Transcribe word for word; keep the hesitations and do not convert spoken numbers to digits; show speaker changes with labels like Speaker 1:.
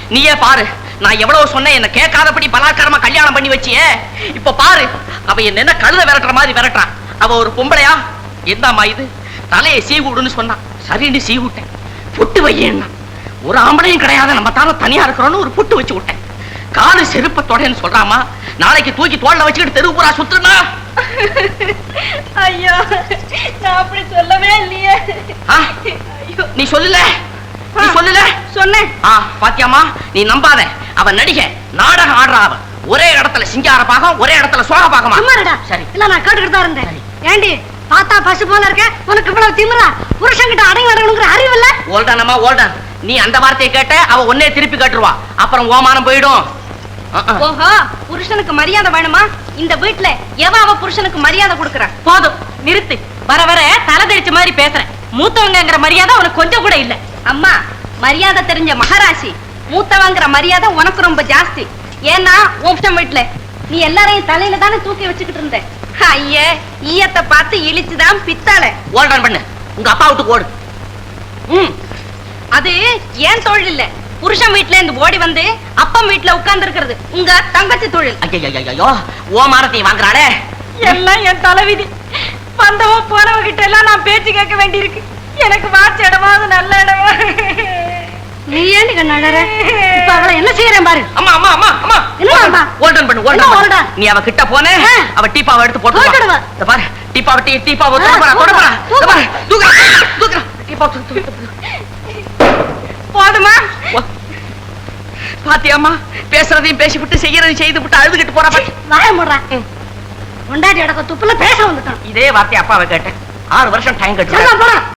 Speaker 1: நீயே பாரு, நான் எவ்வளவு சொன்னேன், என்ன கேட்காதபடி பலாத்காரமா கல்யாணம் பண்ணி வச்சியே. இப்ப பாரு, அவ என்ன கழுத விரட்டுற மாதிரி விரட்டுறான். அவ ஒரு பொம்பளையா? என்னம்மா இது, தலையை சீவுடுன்னு சொன்னான். சரின்னு சீவிட்டேன். புட்டு வையேன்னா ஒரு ஆம்பளையும் கிடையாது, நம்ம தானே தனியா இருக்கிறோன்னு ஒரு புட்டு வச்சு விட்டேன். காலு செருப்ப தொடன்னு சொல்றாமா, நாளைக்கு தூக்கி தோல்ல வச்சுக்கிட்டு தெருவு பூரா சுத்துனா.
Speaker 2: ஐயோ, நான் அப்படி சொல்லவே இல்லையே.
Speaker 1: நீ சொல்லல, நீ சொல்லல.
Speaker 2: சொன்னேன்.
Speaker 1: பாத்தியாமா, நீ நம்பாத. அவன் நடிகை, நாடகம் ஆடுறா. அவன் ஒரே இடத்துல சிங்கார பாகம், ஒரே இடத்துல சோழ பாகமா.
Speaker 2: சரி, இல்ல நான் கேட்டுக்கிட்டு தான் இருந்தேன். ஏண்டி பார்த்தா பசு போல இருக்க, உனக்கு இவ்வளவு திமிரா? புருஷன்கிட்ட அடங்கி அடங்கணுங்கிற அறிவு இல்ல?
Speaker 1: ஓல்டானம்மா ஓல்டன், நீ அந்த வார்த்தையை கேட்ட அவ ஒன்னே திருப்பி கேட்டுருவா. அப்புறம் ஓமானம் போயிடும்.
Speaker 2: ஓஹோ, புருஷனுக்கு மரியாதை வேணுமா? இந்த வீட்டுல எவன் அவ புருஷனுக்கு மரியாதை கொடுக்கறான்? போதும், நிறுத்து. வர வர தலை தெரிச்ச மாதிரி பேசுறேன். மூத்தவங்கிற மரியாதை உனக்கு கொஞ்சம் கூட இல்ல. அம்மா, மரியாதை தெரிஞ்ச மகாராசி. மூத்தவங்கிற மரியாதை உனக்கு ரொம்ப ஜாஸ்தி. ஏன்னா உன் வீட்டுல நீ எல்லாரையும் தலையில தானே தூக்கி வச்சுக்கிட்டு இருந்த. ஐயே, ஈயத்தை பார்த்து இழிச்சுதான் பித்தாள.
Speaker 1: ஓல்டன் பண்ணு, உங்க அப்பா விட்டு ஓடு. ம்,
Speaker 2: அது ஏன் தொழில் இல்ல. புருஷன் வீட்டுல இருந்து ஓடி வந்து அப்பம் வீட்டுல உட்கார்ந்து இருக்கிறது உங்க தங்கச்சி தொழில்.
Speaker 1: ஐயோ, ஓமானத்தை வாங்குறாளே.
Speaker 2: எல்லாம் என் தலைவிதி. வந்தவ போனவ கிட்ட எல்லாம் நான் பேச்சு கேட்க வேண்டியிருக்கு. எனக்கு வாட்ச இடமாவது நல்ல இடமா. நீ ஏன் கண்ணாடற? இப்ப அவளை என்ன செய்யறேன் பாரு.
Speaker 1: அம்மா அம்மா அம்மா அம்மா,
Speaker 2: என்னம்மா?
Speaker 1: ஓல்டன் பண்ணு, ஓல்டன் பண்ணு. நீ அவ கிட்ட போனே, அவ டீப்பாவை எடுத்து போட்டு வா. இந்த பாரு, டீப்பாவை டீ டீப்பாவை தொட போறா, தொட போறா. இந்த பாரு, தூக்கு தூக்கு டீப்பாவை தூக்கு தூக்கு.
Speaker 2: போதுமா?
Speaker 1: பாத்தியாம்மா, பேசுறதையும் பேசிவிட்டு செய்யறதையும் செய்து விட்டு அழுதுகிட்டு போறா.
Speaker 2: வாய மூடுறா. கொண்டாடி அடக்க துப்புல பேச வந்துட்டான்.
Speaker 1: இதே வார்த்தை அப்பாவை கேட்டேன். ஆறு வருஷம் டைம் கட்டு.